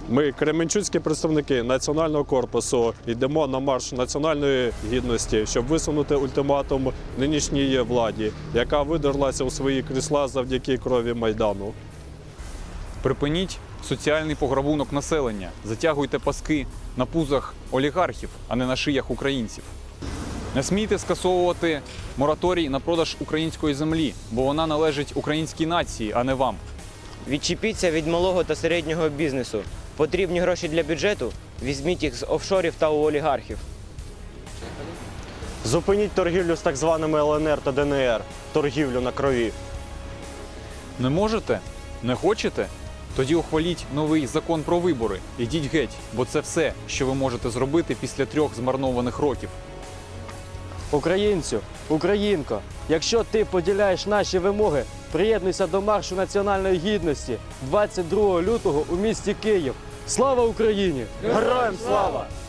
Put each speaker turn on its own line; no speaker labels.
Ми, кременчуцькі представники Національного корпусу, йдемо на марш національної гідності, щоб висунути ультиматум нинішній владі, яка видерлася у свої крісла завдяки крові Майдану.
Припиніть соціальний пограбунок населення, затягуйте паски на пузах олігархів, а не на шиях українців. Не смійте скасовувати мораторій на продаж української землі, бо вона належить українській нації, а не вам.
Відчепіться від малого та середнього бізнесу. Потрібні гроші для бюджету? Візьміть їх з офшорів та у олігархів.
Зупиніть торгівлю з так званими ЛНР та ДНР, торгівлю на крові.
Не можете? Не хочете? Тоді ухваліть новий закон про вибори. Ідіть геть, бо це все, що ви можете зробити після 3 змарнованих років.
Українцю, українко, якщо ти поділяєш наші вимоги, приєднуйся до маршу національної гідності 22 лютого у місті Київ. Слава Україні!
Героям слава!